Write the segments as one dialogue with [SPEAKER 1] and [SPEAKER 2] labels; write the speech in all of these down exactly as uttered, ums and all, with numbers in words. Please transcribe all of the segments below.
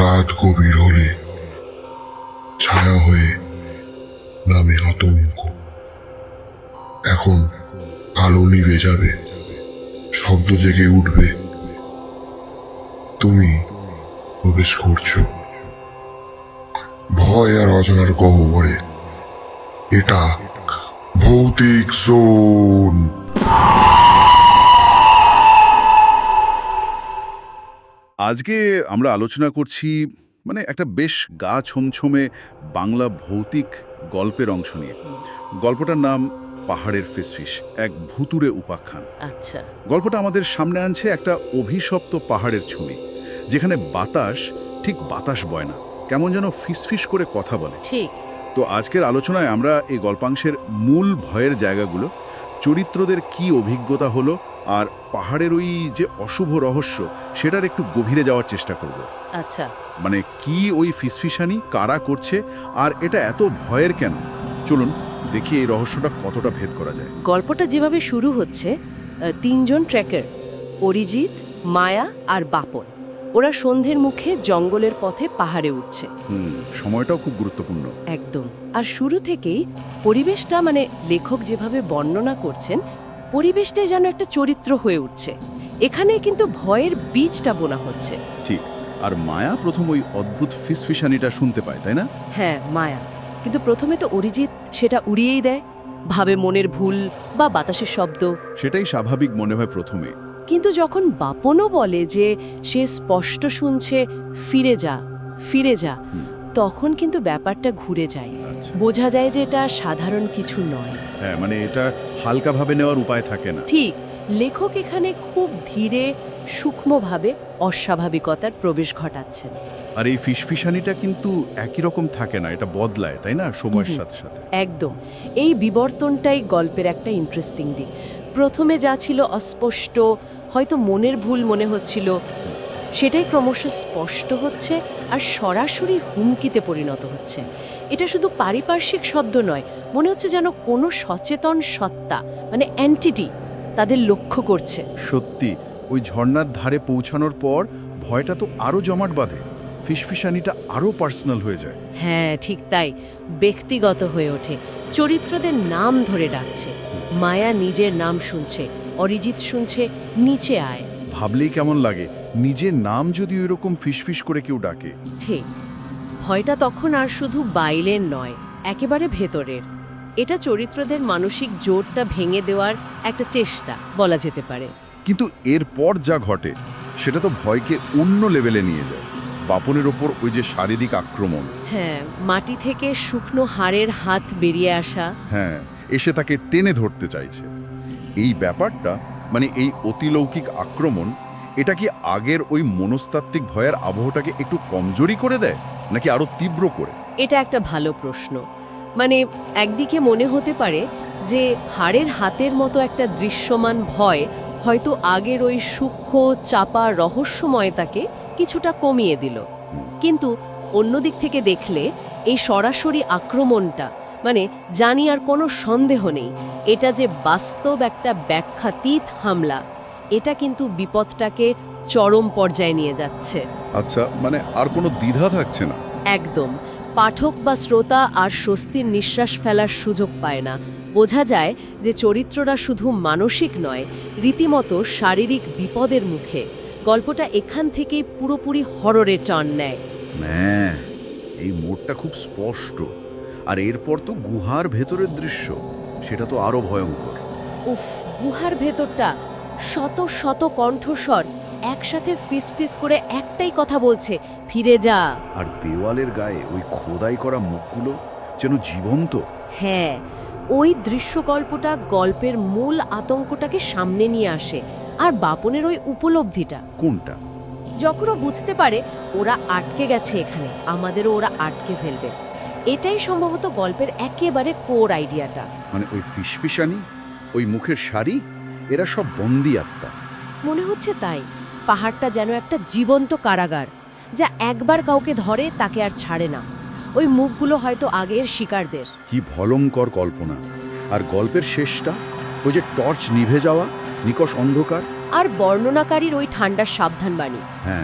[SPEAKER 1] রাত গভীর হলে ছায়া হয়ে নামে আতঙ্ক। এখন আলো নিভে যাবে, শব্দ জেগে উঠবে, তুমি প্রবেশ করছো ভয় আর অজানার গহ্বরে। এটা ভৌতিক জোন।
[SPEAKER 2] আজকে আমরা আলোচনা করছি মানে একটা বেশ গা ছমছমে বাংলা ভৌতিক গল্পের অংশ নিয়ে। গল্পটার নাম পাহাড়ের ফিসফিস, এক ভুতুড়ে উপাখ্যান।
[SPEAKER 3] আচ্ছা।
[SPEAKER 2] গল্পটা আমাদের সামনে আনছে একটা অভিশপ্ত পাহাড়ের ছবি, যেখানে বাতাস ঠিক বাতাস বয় না, কেমন যেন ফিসফিস করে কথা বলে।
[SPEAKER 3] ঠিক।
[SPEAKER 2] তো আজকের আলোচনায় আমরা এই গল্পাংশের মূল ভয়ের জায়গাগুলো, চরিত্রদের কি অভিজ্ঞতা হলো, আর পাহাড়ের ওই যে অশুভ রহস্য সেটার একটু গভীরে যাওয়ার চেষ্টা করব।
[SPEAKER 3] আচ্ছা।
[SPEAKER 2] মানে কি ওই ফিসফিসানি, কারা করছে, আর এটা এত ভয়ের কেন? চলুন দেখি এই রহস্যটা কতটা ভেদ করা যায়।
[SPEAKER 3] গল্পটা যেভাবে শুরু হচ্ছে, আহ, তিনজন ট্রেকার, অরিজিৎ, মায়া আর বাপন, ওরা সন্ধ্যের মুখে জঙ্গলের পথে পাহাড়ে উঠছে।
[SPEAKER 2] হুম, সময়টাও খুব গুরুত্বপূর্ণ।
[SPEAKER 3] একদম। আর শুরু থেকেই পরিবেশটা, মানে লেখক যেভাবে বর্ণনা করছেন, পরিবেশটাই যেন একটা চরিত্র হয়ে উঠছে। এখানে কিন্তু ভয়ের বীজটা বোনা হচ্ছে।
[SPEAKER 2] ঠিক। আর মায়া প্রথম ওই অদ্ভুত ফিসফিসানিটা শুনতে পায়, তাই না?
[SPEAKER 3] হ্যাঁ, মায়া। কিন্তু প্রথমে তো অরিজিৎ সেটা উড়িয়েই দেয়, ভাবে মনের ভুল বা বাতাসের শব্দ।
[SPEAKER 2] সেটাই স্বাভাবিক মনে হয় প্রথমে।
[SPEAKER 3] কিন্তু যখন বাপনও বলে যে সে স্পষ্ট শুনছে ফিরে যা ফিরে যা, তখন কিন্তু ব্যাপারটা ঘুরে যায়।
[SPEAKER 2] আচ্ছা।
[SPEAKER 3] বোঝা যায় যে এটা সাধারণ কিছু নয়।
[SPEAKER 2] হ্যাঁ, মানে এটা হালকাভাবে নেওয়ার উপায় থাকে না।
[SPEAKER 3] ঠিক। লেখক এখানে খুব ধীরে সূক্ষ্মভাবে অস্বাভাবিকতার প্রবেশ ঘটাচ্ছেন।
[SPEAKER 2] আর এই ফিসফিসানিটা কিন্তু একই রকম থাকে না, এটা বদলায়, তাই না, সময়ের
[SPEAKER 3] হুম।
[SPEAKER 2] সাথে সাথে।
[SPEAKER 3] একদম। এই বিবর্তনটাই গল্পের একটা ইন্টারেস্টিং দিক। প্রথমে যা ছিল অস্পষ্ট, হয়তো মনের ভুল মনে হচ্ছিল, সেটাই ক্রমশ স্পষ্ট হচ্ছে আর সরাসরি হুমকিতে পরিণত হচ্ছে। এটা শুধু পারিপার্শ্বিক শব্দ নয়, মনে হচ্ছে যেন কোনো সচেতন সত্তা, মানে এন্টিটি, তাদের লক্ষ্য করছে।
[SPEAKER 2] সত্যি, ওই ঝর্ণার ধারে পৌঁছানোর পর ভয়টা তো আরো জমাট বাঁধে, ফিসফিসানিটা আরো পার্সোনাল হয়ে যায়।
[SPEAKER 3] হ্যাঁ, ঠিক তাই। ব্যক্তিগত হয়ে ওঠে। চরিত্রদের নাম ধরে ডাকছে। মায়া নিজের নাম শুনছে, অরিজিৎ শুনছে নিচে আয়।
[SPEAKER 2] ভাবলেই কেমন লাগে, নিজের নাম যদি ওইরকম ফিসফিস করে কেউ ডাকে।
[SPEAKER 3] ঠিক। ভয়টা তখন আর শুধু বাইরের নয়, একেবারে ভেতরের। এটা চরিত্রদের মানসিক জোরটা ভেঙে দেওয়ার একটা চেষ্টা বলা যেতে পারে।
[SPEAKER 2] কিন্তু এরপর যা ঘটে সেটা তো ভয়কে অন্য লেভেলে নিয়ে যায়। বাপনের ওপর ওই যে শারীরিক আক্রমণ,
[SPEAKER 3] হ্যাঁ, মাটি থেকে শুকনো হাড়ের হাত বেরিয়ে আসা।
[SPEAKER 2] হ্যাঁ, এসে তাকে টেনে ধরতে চাইছে। এই ব্যাপারটা, মানে এই অতিলৌকিক আক্রমণ, এটা কি আগের ওই মনস্তাত্ত্বিক ভয়ের আবহটাকে একটু কমজোরি করে দেয়, নাকি আরো তীব্র করে?
[SPEAKER 3] এটা একটা ভালো প্রশ্ন। মানে একদিকে মনে হতে পারে যে হাড়ের হাতের মতো একটা দৃশ্যমান ভয় হয়তো আগের ওই সূক্ষ্ম চাপা রহস্যময়তাকে কিছুটা কমিয়ে দিল। কিন্তু অন্য দিক থেকে দেখলে এই সরাসরি আক্রমণটা, মানে জানি আর কোনো সন্দেহ নেই, এটা যে বাস্তব একটা ব্যাখ্যাতীত হামলা, এটা কিন্তু বিপদটাকে চরম পর্যায়ে নিয়ে যাচ্ছে।
[SPEAKER 2] আচ্ছা, মানে আর কোনো দ্বিধা থাকছে না।
[SPEAKER 3] একদম। পাঠক বা শ্রোতা আর স্বস্তির নিঃশ্বাস ফেলার সুযোগ পায় না। বোঝা যায় যে চরিত্ররা শুধু মানসিক নয়, রীতিমতো শারীরিক বিপদের মুখে। গল্পটা এখান থেকেই পুরোপুরি হররের টার্ন নেয়।
[SPEAKER 2] হ্যাঁ, এই মোড়টা খুব স্পষ্ট। আর এরপর তো গুহার ভেতরের দৃশ্য, সেটা তো আরো ভয়ঙ্কর।
[SPEAKER 3] উফ, গুহার ভেতরটা, শত শত কণ্ঠস্বর একসাথে ফিসফিস করে একটাই কথা বলছে, ফিরে যা।
[SPEAKER 2] আর দেওয়ালের গায়ে ওই খোদাই করা মুখগুলো যেন জীবন্ত।
[SPEAKER 3] হ্যাঁ, ওই দৃশ্যকল্পটা গল্পের মূল আতঙ্কটাকে সামনে নিয়ে আসে। আর বাপনের ওই উপলব্ধিটা,
[SPEAKER 2] কোনটা?
[SPEAKER 3] যখন ও বুঝতে পারে ওরা আটকে গেছে এখানে, আমাদেরও ওরা আটকে ফেলবে, এটাই সম্ভবত গল্পের একেবারে কোর আইডিয়াটা।
[SPEAKER 2] মানে ওই ফিসফিসানি, ওই মুখের শাড়ি, এরা সব বন্দি আত্মা।
[SPEAKER 3] মনে হচ্ছে তাই। পাহাড়টা যেন একটা জীবন্ত কারাগার, যা একবার কাউকে ধরে তাকে আর ছাড়ে না। ওই মুখগুলো হয়তো আগের শিকারদের।
[SPEAKER 2] কি ভয়ঙ্কর কল্পনা। আর গল্পের শেষটা, ওই যে টর্চ নিভে যাওয়া, নিকষ অন্ধকার।
[SPEAKER 3] আর বর্ণনাকারীর ওই ঠান্ডার সাবধানবাণী।
[SPEAKER 2] হ্যাঁ,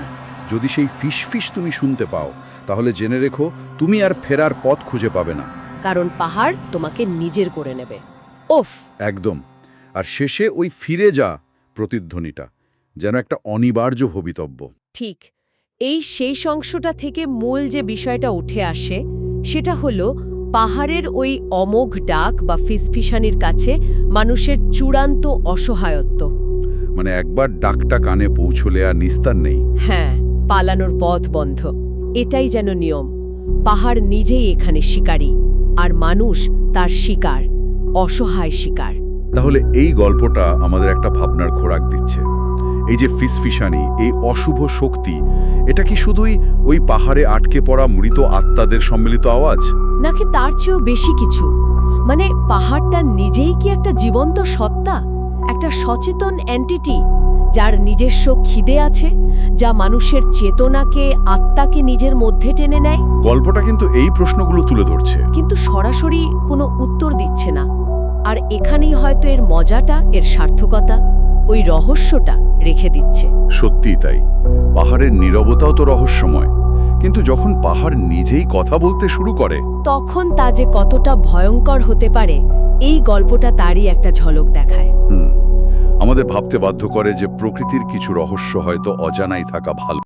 [SPEAKER 2] যদি সেই ফিসফিস তুমি শুনতে পাও তাহলে জেনে রেখো তুমি আর ফেরার পথ খুঁজে পাবে না।
[SPEAKER 3] কারণ পাহাড় তোমাকে নিজের করে নেবে। ওফ!
[SPEAKER 2] একদম। আর শেষে ওই ফিরে যা প্রতিধ্বনিটা যেন একটা অনিবার্য ভবিতব্য।
[SPEAKER 3] ঠিক। এই শেষ অংশটা থেকে মূল যে বিষয়টা উঠে আসে সেটা হলো পাহাড়ের ওই অমোঘ ডাক বা ফিসফিসানির কাছে মানুষের চূড়ান্ত অসহায়ত্ব।
[SPEAKER 2] মানে একবার ডাকটা কানে পৌঁছলে আর নিস্তার নেই।
[SPEAKER 3] হ্যাঁ, পালানোর পথ বন্ধ। এটাই যেন নিয়ম। পাহাড় নিজেই এখানে শিকারী, আর মানুষ তার শিকার, অসহায় শিকার।
[SPEAKER 2] তাহলে এই গল্পটা আমাদের একটা ভাবনার খোরাক দিচ্ছে। এই যে ফিসফিসানি, এই অশুভ শক্তি, এটা কি শুধুই ওই পাহাড়ে আটকে পড়া মৃত আত্মাদের সম্মিলিত আওয়াজ?
[SPEAKER 3] নাকি তার চেয়েও বেশি কিছু? মানে পাহাড়টা নিজেই কি একটা জীবন্ত সত্তা, একটা সচেতন এন্টিটি যার নিজস্ব খিদে আছে, যা মানুষের চেতনাকে, আত্মাকে নিজের মধ্যে টেনে নেয়?
[SPEAKER 2] গল্পটা কিন্তু এই প্রশ্নগুলো তুলে ধরছে,
[SPEAKER 3] কিন্তু সরাসরি কোনো উত্তর দিচ্ছে না। আর এখানেই হয়তো এর মজাটা, এর সার্থকতা, ওই রহস্যটা রেখে দিচ্ছে।
[SPEAKER 2] সত্যিই তাই। পাহাড়ের নীরবতাও তো রহস্যময়, কিন্তু যখন পাহাড় নিজেই কথা বলতে শুরু করে
[SPEAKER 3] তখন তা যে কতটা ভয়ঙ্কর হতে পারে, এই গল্পটা তারই একটা ঝলক দেখায়।
[SPEAKER 2] হুম আমাদের ভাবতে বাধ্য করে যে প্রকৃতির কিছু রহস্য হয়তো অজানাই থাকা ভালো।